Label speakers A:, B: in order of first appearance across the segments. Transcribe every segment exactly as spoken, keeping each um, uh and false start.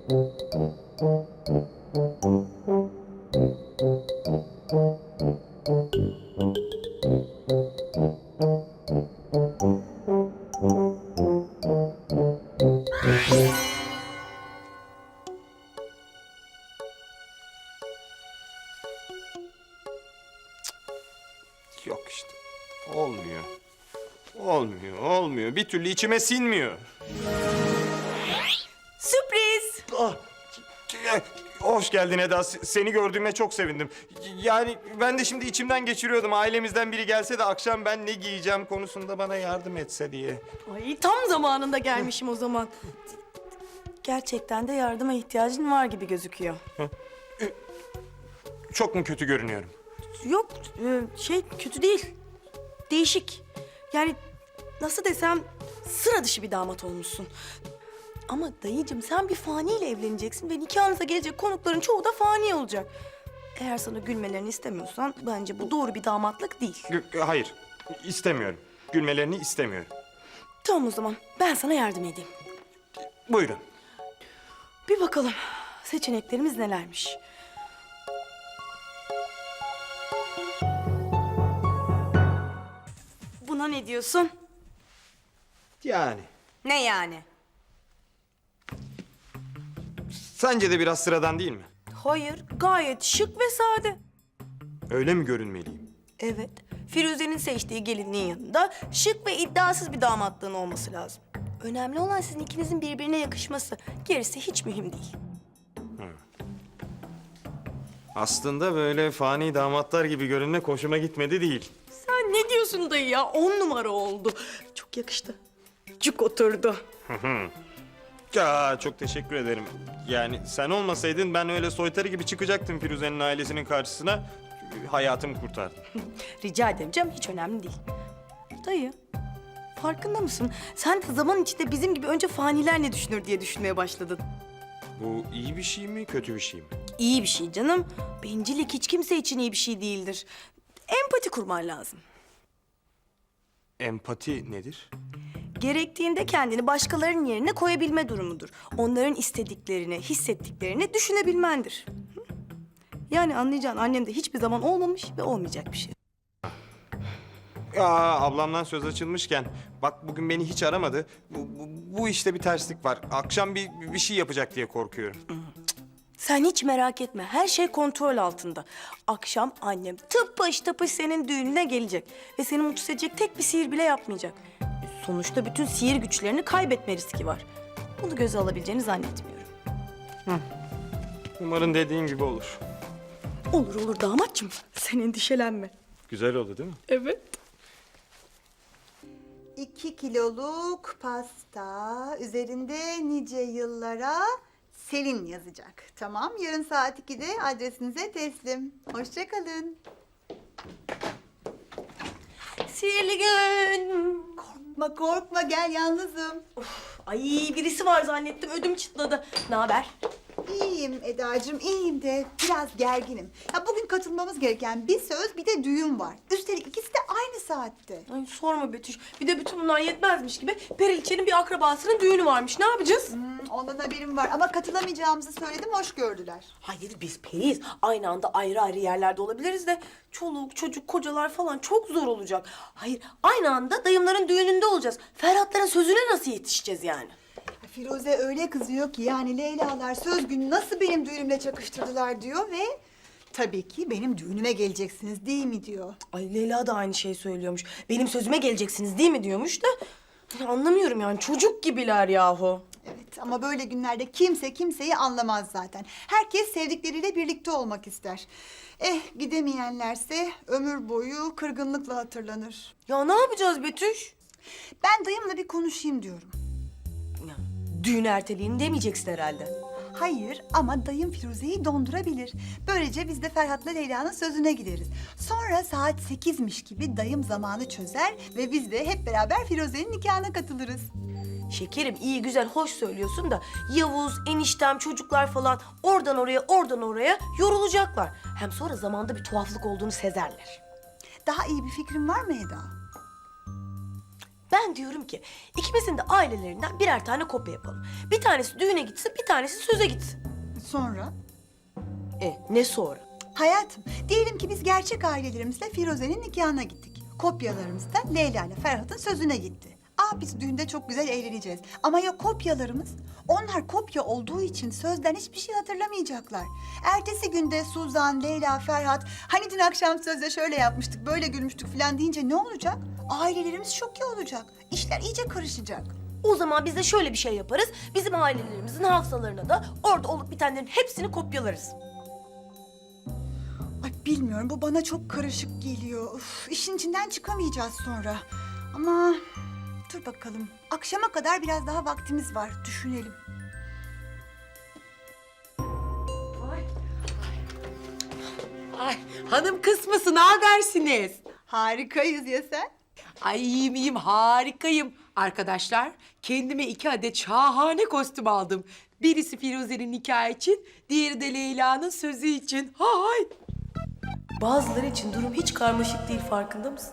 A: Yok işte. Olmuyor. Olmuyor, olmuyor. Bir türlü içime sinmiyor.
B: Sürpriz!
A: Ah, hoş geldin Eda. S- Seni gördüğüme çok sevindim. Yani ben de şimdi içimden geçiriyordum. Ailemizden biri gelse de akşam ben ne giyeceğim konusunda bana yardım etse diye.
B: Ay tam zamanında gelmişim o zaman. Gerçekten de yardıma ihtiyacın var gibi gözüküyor.
A: Çok mu kötü görünüyorum?
B: Yok e, şey kötü değil. Değişik. Yani nasıl desem sıra dışı bir damat olmuşsun. Ama dayıcığım sen bir faniyle evleneceksin ve nikahınıza gelecek konukların çoğu da fani olacak. Eğer sana gülmelerini istemiyorsan bence bu doğru bir damatlık değil.
A: G- Hayır, istemiyorum. Gülmelerini istemiyorum.
B: Tamam o zaman ben sana yardım edeyim.
A: Buyurun.
B: Bir bakalım seçeneklerimiz nelermiş. Buna ne diyorsun?
A: Yani.
B: Ne yani?
A: Sence de biraz sıradan değil mi?
B: Hayır, gayet şık ve sade.
A: Öyle mi görünmeliyim?
B: Evet, Firuze'nin seçtiği gelinliğin yanında şık ve iddiasız bir damatlığın olması lazım. Önemli olan sizin ikinizin birbirine yakışması. Gerisi hiç mühim değil.
A: Aslında böyle fani damatlar gibi görünmek hoşuma gitmedi değil.
B: Sen ne diyorsun dayı ya? On numara oldu. Çok yakıştı. Cuk oturdu.
A: Ya çok teşekkür ederim. Yani sen olmasaydın ben öyle soytarı gibi çıkacaktım Firuze'nin ailesinin karşısına. Hayatımı kurtardın.
B: Rica ederim canım, hiç önemli değil. Dayı, farkında mısın? Sen de zaman içinde bizim gibi önce faniler ne düşünür diye düşünmeye başladın.
A: Bu iyi bir şey mi, kötü bir şey mi?
B: İyi bir şey canım. Bencillik hiç kimse için iyi bir şey değildir. Empati kurman lazım.
A: Empati nedir?
B: Gerektiğinde kendini başkalarının yerine koyabilme durumudur. Onların istediklerini, hissettiklerini düşünebilmendir. Hı? Yani anlayacağın annemde hiçbir zaman olmamış ve olmayacak bir şey.
A: Ya ablamdan söz açılmışken bak bugün beni hiç aramadı. Bu, bu, bu işte bir terslik var. Akşam bir, bir şey yapacak diye korkuyorum.
B: Sen hiç merak etme. Her şey kontrol altında. Akşam annem tıpış tıpış senin düğününe gelecek. Ve seni mutsuz edecek tek bir sihir bile yapmayacak. Sonuçta bütün sihir güçlerini kaybetme riski var. Bunu göze alabileceğini zannetmiyorum.
A: Umarım dediğin gibi olur.
B: Olur olur damatçım. Sen endişelenme.
A: Güzel oldu değil mi?
B: Evet.
C: İki kiloluk pasta, üzerinde nice yıllara Selin yazacak. Tamam, yarın saat ikide adresinize teslim. Hoşça kalın.
B: Sihirli gün.
C: Korkma korkma, gel, yalnızım.
B: Ay birisi var zannettim. Ödüm çıtladı. Ne haber?
C: İyiyim Edacığım, iyiyim de biraz gerginim. Ya bugün katılmamız gereken bir söz, bir de düğün var. Üstelik ikisi de aynı saatte.
B: Ay sorma Betüş. Bir de bütün bunlar yetmezmiş gibi Periliçe'nin bir akrabasının düğünü varmış. Ne yapacağız?
C: Hmm, ondan haberim var ama katılamayacağımızı söyledim, hoş gördüler.
B: Hayır biz periyiz. Aynı anda ayrı ayrı yerlerde olabiliriz de çoluk, çocuk, kocalar falan çok zor olacak. Hayır aynı anda dayımların düğününde olacağız. Ferhatların sözüne nasıl yetişeceğiz yani?
C: Firuze öyle kızıyor ki yani Leyla'lar söz günü nasıl benim düğünümle çakıştırdılar diyor ve tabii ki benim düğünüme geleceksiniz değil mi diyor.
B: Ay Leyla da aynı şeyi söylüyormuş. Benim sözüme geleceksiniz değil mi diyormuş da. Ya anlamıyorum yani çocuk gibiler yahu.
C: Evet ama böyle günlerde kimse kimseyi anlamaz zaten. Herkes sevdikleriyle birlikte olmak ister. Eh gidemeyenlerse ömür boyu kırgınlıkla hatırlanır.
B: Ya ne yapacağız Betüş?
C: Ben dayımla bir konuşayım diyorum.
B: Ya, düğün erteleyin demeyeceksin herhalde.
C: Hayır ama dayım Firuze'yi dondurabilir. Böylece biz de Ferhat'la Leyla'nın sözüne gideriz. Sonra saat sekizmiş gibi dayım zamanı çözer ve biz de hep beraber Firuze'nin nikahına katılırız.
B: Şekerim iyi güzel hoş söylüyorsun da Yavuz, eniştem, çocuklar falan oradan oraya oradan oraya yorulacaklar. Hem sonra zamanda bir tuhaflık olduğunu sezerler.
C: Daha iyi bir fikrin var mı Eda?
B: Ben diyorum ki ikimizin de ailelerinden birer tane kopya yapalım. Bir tanesi düğüne gitsin, bir tanesi söze gitsin.
C: Sonra?
B: E ne sonra?
C: Hayatım, diyelim ki biz gerçek ailelerimizle Firuze'nin nikahına gittik. Kopyalarımız da Leyla ile Ferhat'ın sözüne gitti. Aa biz düğünde çok güzel eğleneceğiz. Ama ya kopyalarımız? Onlar kopya olduğu için sözden hiçbir şey hatırlamayacaklar. Ertesi günde Suzan, Leyla, Ferhat... ...hani dün akşam sözde şöyle yapmıştık, böyle gülmüştük falan deyince ne olacak? Ailelerimiz şoke olacak. İşler iyice karışacak.
B: O zaman biz de şöyle bir şey yaparız. Bizim ailelerimizin hafızalarına da orada olup bitenlerin hepsini kopyalarız.
C: Ay bilmiyorum, bu bana çok karışık geliyor. Uf, işin içinden çıkamayacağız sonra. Ama dur bakalım. Akşama kadar biraz daha vaktimiz var. Düşünelim.
D: Ay hanım kısmısı ne habersiniz?
C: Harikayız ya sen?
D: Ay iyiyim iyiyim harikayım. Arkadaşlar kendime iki adet şahane kostüm aldım. Birisi Firuze'nin nikahı için, diğeri de Leyla'nın sözü için. Hay!
B: Bazıları için durum hiç karmaşık değil, farkında mısın?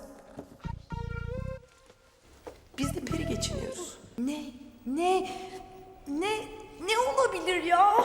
B: Biz de peri geçiniyoruz. Ne? Ne? Ne? Ne olabilir ya?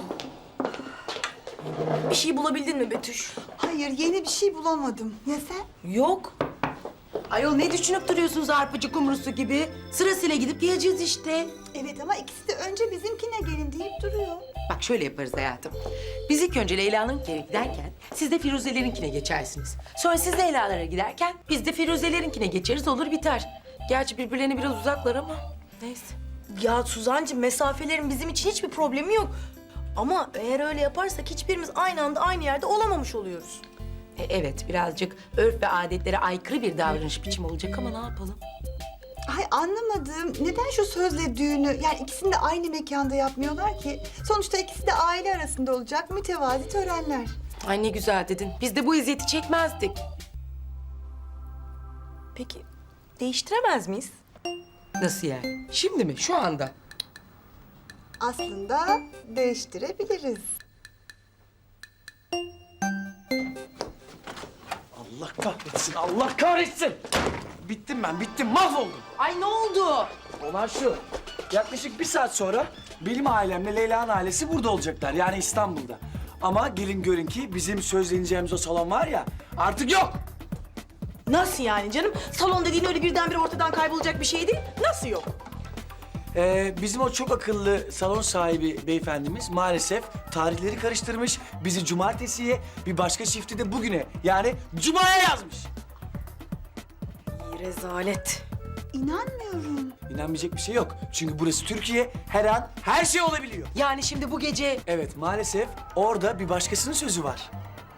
B: Bir şey bulabildin mi Betüş?
C: Hayır, yeni bir şey bulamadım. Ya sen?
B: Yok.
D: Ayol ne düşünüp duruyorsunuz arpacı kumrusu gibi? Sırasıyla gidip geleceğiz işte.
C: Evet ama ikisi de önce bizimkine gelin deyip duruyor.
D: Bak şöyle yaparız hayatım. Biz ilk önce Leyla'nınkine giderken siz de Firuze'lerinkine geçersiniz. Sonra siz Leyla'lara giderken biz de Firuze'lerinkine geçeriz, olur biter. Gerçi birbirlerine biraz uzaklar ama neyse.
B: Ya Suzancığım, mesafelerin bizim için hiçbir problemi yok. Ama eğer öyle yaparsak hiçbirimiz aynı anda aynı yerde olamamış oluyoruz.
D: E, evet birazcık örf ve adetlere aykırı bir davranış biçimi olacak ama ne yapalım?
C: Ay anlamadım. Neden şu sözle düğünü, yani ikisini de aynı mekanda yapmıyorlar ki? Sonuçta ikisi de aile arasında olacak mütevazi törenler.
D: Ay ne güzel dedin. Biz de bu eziyeti çekmezdik.
B: Peki değiştiremez miyiz?
D: Nasıl yani? Şimdi mi? Şu anda?
C: Aslında değiştirebiliriz.
E: Allah kahretsin, Allah kahretsin! Bittim ben, bittim, mahvoldum.
D: Ay ne oldu?
E: Olan şu, yaklaşık bir saat sonra benim ailemle Leyla'nın ailesi burada olacaklar, yani İstanbul'da. Ama gelin görün ki bizim sözleneceğimiz o salon var ya, artık yok.
B: Nasıl yani canım? Salon dediğin öyle birdenbire ortadan kaybolacak bir şey değil. Nasıl yok?
E: Ee, bizim o çok akıllı salon sahibi beyefendimiz maalesef tarihleri karıştırmış. Bizi cumartesiye, bir başka çifti de bugüne, yani cumaya yazmış.
B: İyi rezalet.
C: İnanmıyorum.
E: İnanmayacak bir şey yok. Çünkü burası Türkiye, her an her şey olabiliyor.
D: Yani şimdi bu gece...
E: Evet, maalesef orada bir başkasının sözü var.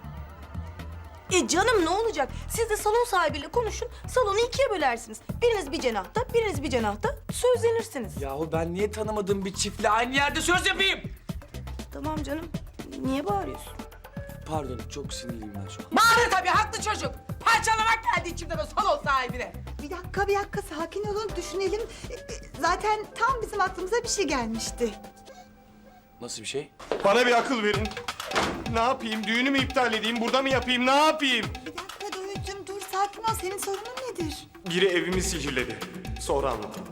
B: E canım ne olacak? Siz de salon sahibiyle konuşun, salonu ikiye bölersiniz. Biriniz bir cenahta, biriniz bir cenahta sözlenirsiniz.
E: Yahu ben niye tanımadığım bir çiftle aynı yerde söz yapayım?
B: Tamam canım, niye bağırıyorsun?
E: Pardon, çok sinirliyim ben şu an.
D: Bağırır tabii, haklı çocuk. Parçalamak geldi içimden o salon sahibine.
C: Bir dakika, bir dakika. Sakin olun, düşünelim. E, e, Zaten tam bizim aklımıza bir şey gelmişti.
E: Nasıl bir şey?
A: Bana bir akıl verin. Ne yapayım? Düğünü mü iptal edeyim? Burada mı yapayım? Ne yapayım?
C: Bir dakika Doğucuğum, dur sakin ol. Senin sorunun nedir?
A: Biri evimi sihirledi. Sonra anlatayım.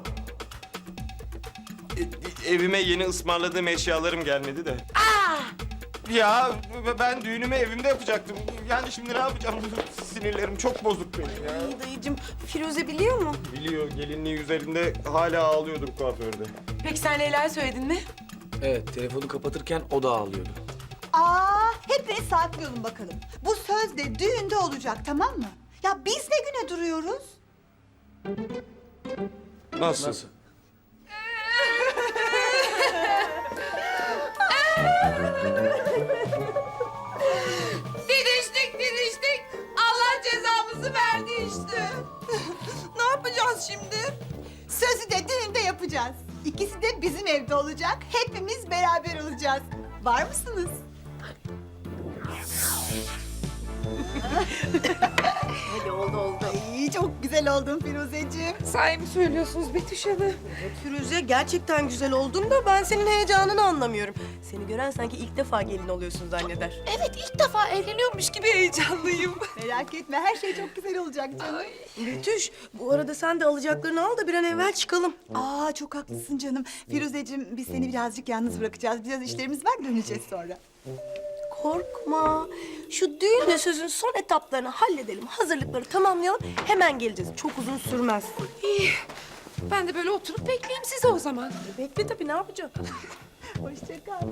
A: E- evime yeni ısmarladığım eşyalarım gelmedi de. Ya ben düğünümü evimde yapacaktım. Yani şimdi ne yapacağım? Sinirlerim çok bozuk benim ya.
B: Ay dayıcığım, Firuze biliyor mu?
A: Biliyor, gelinliği üzerinde hala ağlıyordur kuaförde.
D: Peki sen Leyla'ya söyledin mi?
E: Evet, telefonu kapatırken o da ağlıyordu.
C: Aa, hepiniz sakin olun bakalım. Bu söz de düğünde olacak, tamam mı? Ya biz ne güne duruyoruz?
A: Nasıl?
E: Nasıl?
F: Didiştik didiştik. Allah cezamızı verdi işte. Ne yapacağız şimdi?
C: Sözü de düğünde yapacağız. İkisi de bizim evde olacak. Hepimiz beraber olacağız. Var mısınız?
B: Hadi oldu oldu.
C: Ay, çok güzel oldun Firuzeciğim.
F: Sahi mi söylüyorsunuz Betüş Hanım?
B: Firuze gerçekten güzel oldun da ben senin heyecanını anlamıyorum. Seni gören sanki ilk defa gelin oluyorsun zanneder.
F: Evet ilk defa evleniyormuş gibi heyecanlıyım.
C: Merak etme her şey çok güzel olacak canım.
B: Betüş, bu arada sen de alacaklarını al da bir an evvel çıkalım.
C: Aa çok haklısın canım. Firuzeciğim biz seni birazcık yalnız bırakacağız. Biraz işlerimiz var döneceğiz sonra.
B: Korkma. Şu düğün ve sözün son etaplarını halledelim. Hazırlıkları tamamlayalım. Hemen geleceğiz. Çok uzun sürmez.
F: İyi. Ben de böyle oturup bekleyeyim sizi o zaman.
B: Bekle tabii, ne yapacağım?
C: Hoşça kal.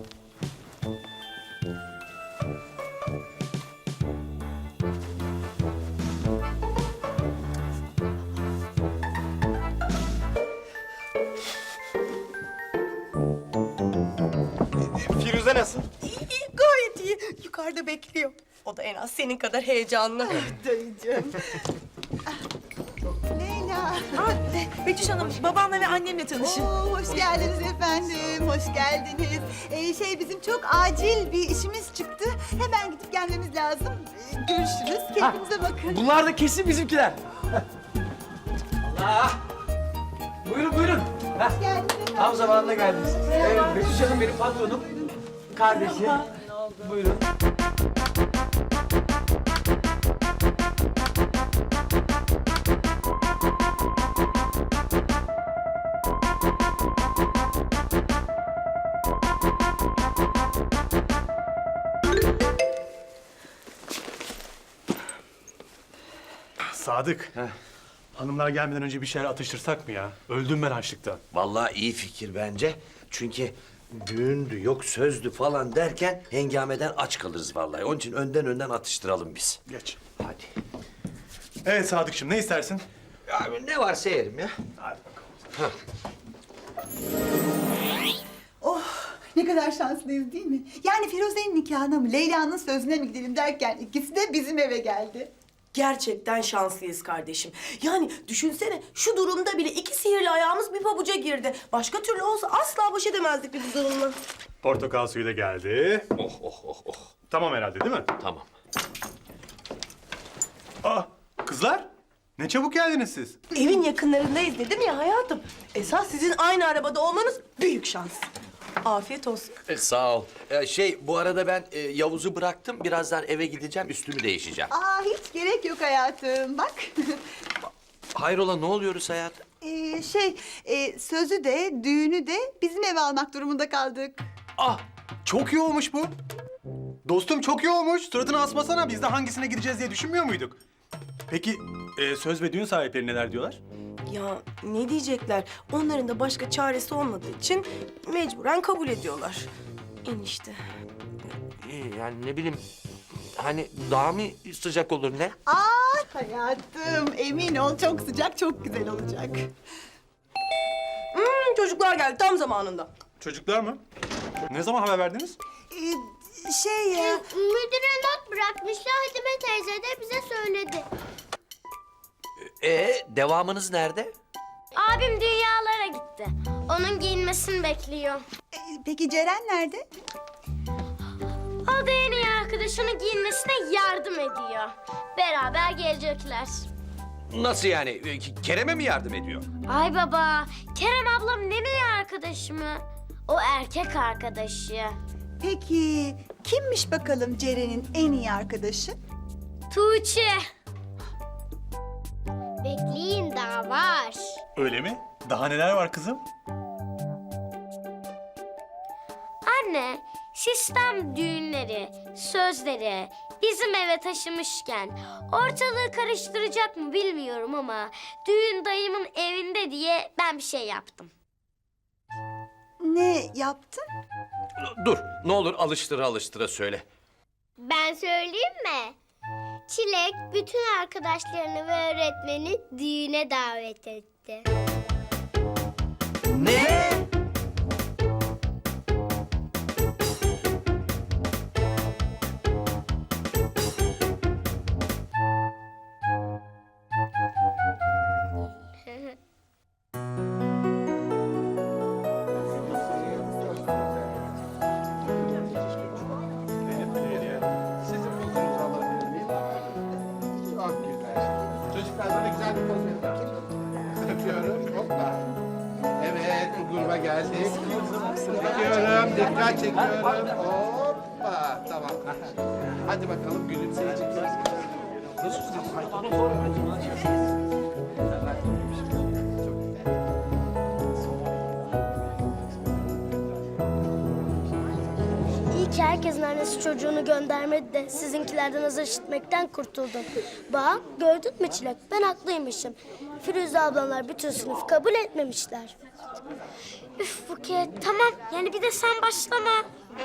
A: Firuze nasıl?
B: İyi, iyi, gayet iyi. Yukarıda bekliyor. O da en az senin kadar heyecanlı.
C: Dayıcığım. Ah, Leyla.
B: Betüş Hanım, babamla ve annemle tanışın.
C: Oo, hoş geldiniz efendim, hoş geldiniz. Ee, şey bizim çok acil bir işimiz çıktı. Hemen gidip gelmemiz lazım. Ee, görüşürüz, kendinize bakın.
E: Bunlar da kesin bizimkiler. Allah! Buyurun buyurun. Heh,
C: Hoş geldiniz efendim.
E: tam zamanında geldiniz. Evet, Betüş Hanım benim patronum. Kardeşi. Buyurun.
G: Sadık. Hanımlar gelmeden önce bir şeyler atıştırsak mı ya? Öldüm ben açlıktan.
H: Vallahi iyi fikir bence. Çünkü düğündü, yok sözdü falan derken hengameden aç kalırız vallahi. Onun için önden önden atıştıralım biz.
G: Geç.
H: Hadi.
G: Evet Sadıkçım, ne istersin?
H: Abi ne varsa yerim ya.
G: Hadi bakalım.
C: Oh, ne kadar şanslıyız değil mi? Yani Firuze'nin nikahına mı, Leyla'nın sözüne mi gidelim derken ikisi de bizim eve geldi.
B: Gerçekten şanslıyız kardeşim. Yani düşünsene, şu durumda bile iki sihirli ayağımız bir pabuca girdi. Başka türlü olsa asla baş edemezdik biz bu durumla.
G: Portakal suyu da geldi.
H: Oh oh oh oh.
G: Tamam herhalde değil mi?
H: Tamam.
G: Aa, kızlar. Ne çabuk geldiniz siz.
B: Evin yakınlarındayız dedim ya hayatım. Esas sizin aynı arabada olmanız büyük şans. Afiyet olsun.
H: E, sağ ol. E, şey bu arada ben e, Yavuz'u bıraktım. Birazdan eve gideceğim, üstümü değişeceğim.
C: Aa, hiç gerek yok hayatım, bak.
H: Hayrola ne oluyoruz hayatım?
C: Ee, şey, e, sözü de, düğünü de bizim eve almak durumunda kaldık.
G: Ah, çok iyi olmuş bu. Dostum çok iyi olmuş. Suratını asmasana. Biz de hangisine gideceğiz diye düşünmüyor muyduk? Peki e, söz ve düğün sahipleri neler diyorlar?
B: Ya ne diyecekler? Onların da başka çaresi olmadığı için mecburen kabul ediyorlar. Enişte.
H: İyi yani ne bileyim. Hani daha mı sıcak olur ne?
C: Aa hayatım, emin ol çok sıcak, çok güzel olacak.
B: Hmm, çocuklar geldi tam zamanında.
G: Çocuklar mı? Ne zaman haber verdiniz?
C: Ee, şey ya...
I: Müdüre not bırakmışlar. Hadime teyze de bize söyledi.
H: E devamınız nerede?
I: Abim dünyalara gitti. Onun giyinmesini bekliyor.
C: e, peki Ceren nerede?
I: O da en iyi arkadaşının giyinmesine yardım ediyor. Beraber gelecekler.
H: Nasıl yani? E, Kerem'e mi yardım ediyor?
I: Ay baba, Kerem ablam ne iyi arkadaşı mı? O erkek arkadaşı.
C: Peki kimmiş bakalım Ceren'in en iyi arkadaşı?
I: Tuğçe. Bekleyin daha var.
G: Öyle mi? Daha neler var kızım?
I: Anne, sistem düğünleri, sözleri bizim eve taşımışken ortalığı karıştıracak mı bilmiyorum ama düğün dayımın evinde diye ben bir şey yaptım.
C: Ne yaptın?
H: Dur, ne olur alıştıra alıştıra söyle.
I: Ben söyleyeyim mi? Çilek bütün arkadaşlarını ve öğretmeni düğüne davet etti.
H: Ne?
J: çekiyorum. Hoppa. Tamam. Hadi bakalım gülümseyeceğiz.
I: İyi ki herkesin annesi çocuğunu göndermedi de sizinkilerden azar işitmekten kurtuldum. Bak gördün mü Çilek? Ben haklıymışım. Firuze ablamlar bütün sınıf kabul etmemişler. Üf Buket tamam yani bir de sen başlama.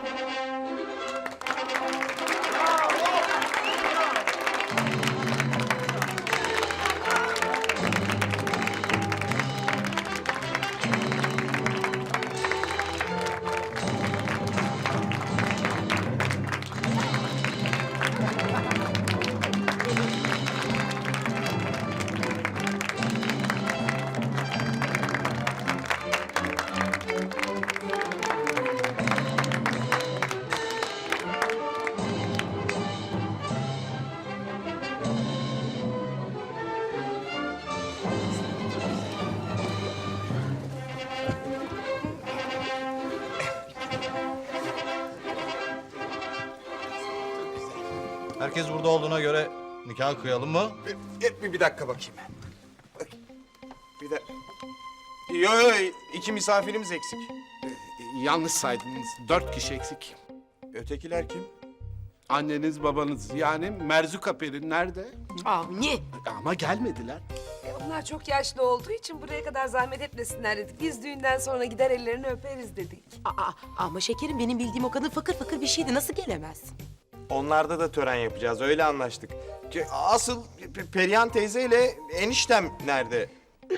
J: Herkes burada olduğuna göre nikah kıyalım mı?
A: Bir, bir, bir dakika bakayım. Bak, bir dakika. Yo yo iki misafirimiz eksik.
J: Yanlış saydınız. Dört kişi eksik.
A: Ötekiler kim?
J: Anneniz, babanız yani Merzuka Peri nerede?
D: Avni.
J: Ama gelmediler.
F: E, onlar çok yaşlı olduğu için buraya kadar zahmet etmesinler dedik. Biz düğünden sonra gider ellerini öperiz dedik.
D: Aa, ama şekerim benim bildiğim o kadın fakir fakir bir şeydi. Nasıl gelemez?
A: Onlarda da tören yapacağız öyle anlaştık. Ki Asıl Pe- Perihan teyzeyle eniştem nerede?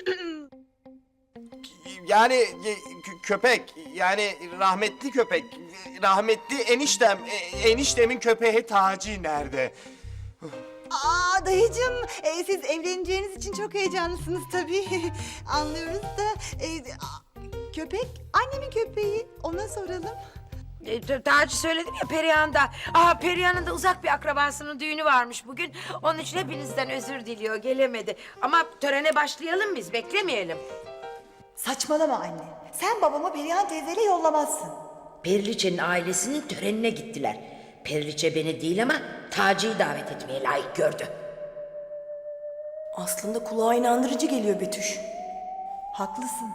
A: Yani e, kö- köpek yani rahmetli köpek rahmetli eniştem e, eniştemin köpeği Taci nerede?
C: Aa dayıcığım, e, siz evleneceğiniz için çok heyecanlısınız tabii. Anlıyoruz da e, a- köpek annemin köpeği. Ona soralım.
K: E, t- Daha önce söyledim ya Perihan'da. Aa Perihan'ın da uzak bir akrabasının düğünü varmış bugün. Onun için hepinizden özür diliyor, gelemedi. Ama törene başlayalım biz, beklemeyelim.
C: Saçmalama anne. Sen babamı Perihan teyzeyle yollamazsın.
K: Periliçe'nin ailesinin törenine gittiler. Periliçe beni değil ama Taci'yi davet etmeye layık gördü.
B: Aslında kulağa inandırıcı geliyor Betüş.
C: Haklısın.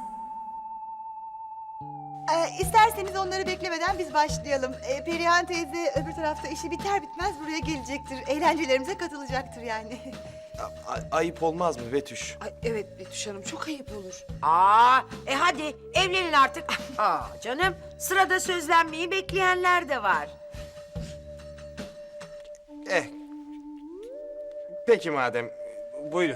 C: Ee, isterseniz onları beklemeden biz başlayalım. Ee, Perihan teyze öbür tarafta işi biter bitmez buraya gelecektir. Eğlencelerimize katılacaktır yani.
A: A- a- ayıp olmaz mı Betüş?
F: Ay evet Betüş Hanım çok ayıp olur.
K: Aa, e hadi evlenin artık. Aa canım, sırada sözlenmeyi bekleyenler de var.
A: Eh. Peki madem buyurun.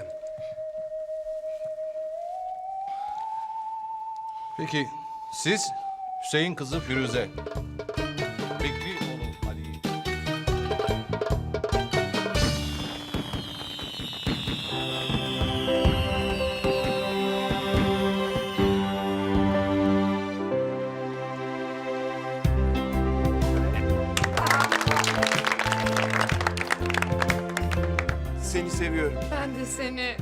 J: Peki siz Hüseyin kızı Firuze. Bekri oğlu Ali.
A: Seni seviyorum.
F: Ben de seni.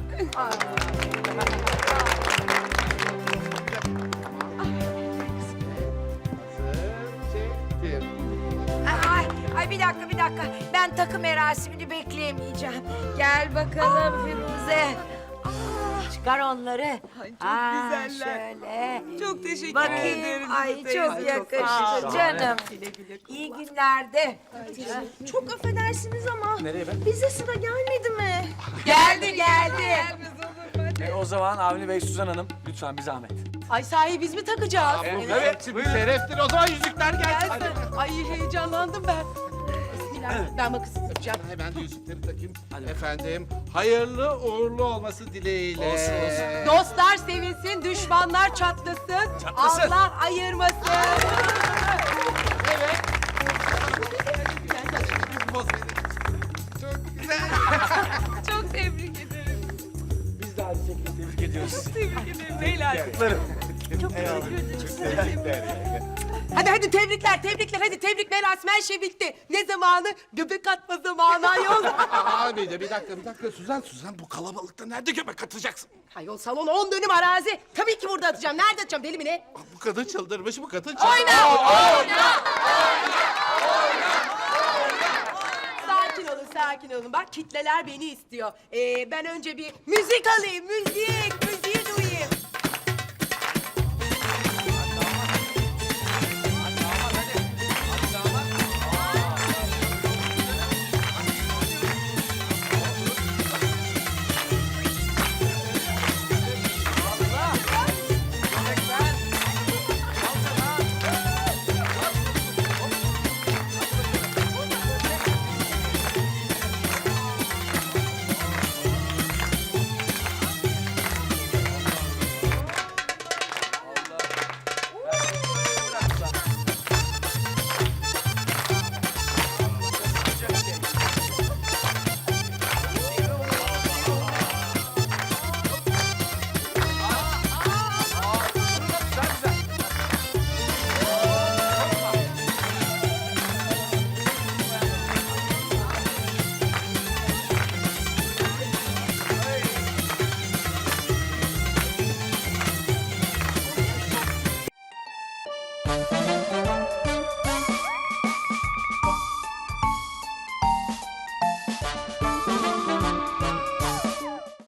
K: Ay, ay bir dakika bir dakika. Ben takım merasimini bekleyemeyeceğim. Gel bakalım Firuze. Aa, çıkar onları.
F: Ay, çok
K: Aa,
F: güzeller.
K: Şöyle.
F: Çok teşekkür
K: Bakayım.
F: ederim.
K: Ay çok yakıştı canım. İyi günlerde.
B: Çok affedersiniz ama
E: Nereye be?
B: bize sıra gelmedi mi?
K: Geldi geldi.
E: E, o zaman Avni Bey, Suzan Hanım lütfen bir zahmet.
D: Ay sahi biz mi takacağız?
J: Evet, bir şereftir. O zaman yüzükler gelsin.
D: Ay heyecanlandım ben. Bismillah. Ben bakısız yapacağım.
J: Hemen de yüzükleri takayım. Efendim, hayırlı uğurlu olması dileğiyle.
E: Olsun, olsun.
D: Dostlar sevinsin, düşmanlar çatlasın.
E: Çatlasın.
D: Allah ayırmasın.
J: Evet. Çok güzel.
F: Çok tebrik ederim.
E: Biz de hadi tebrik ediyoruz sizi.
F: Tebrik ederim beyler.
E: Kutlarım.
F: Çok teşekkür ederim.
A: Tebrikler.
D: Hadi hadi
F: Hadi tebrikler, tebrikler. Hadi tebrik merasim her şey bitti. Ne zamanı? Göbek atma zamanı ayol.
J: Aa, bir, de, bir dakika, bir dakika. Suzan, Suzan bu kalabalıkta nerede göbek atacaksın?
F: Ayol salon on dönüm arazi. Tabii ki burada atacağım. Nerede atacağım deli mi ne?
J: Aa, bu kadın çıldırmış, bu kadın çıldırmış.
F: Sakin olun, sakin olun. Bak kitleler beni istiyor. Ee, ben önce bir müzik alayım, müzik, müziği duyayım.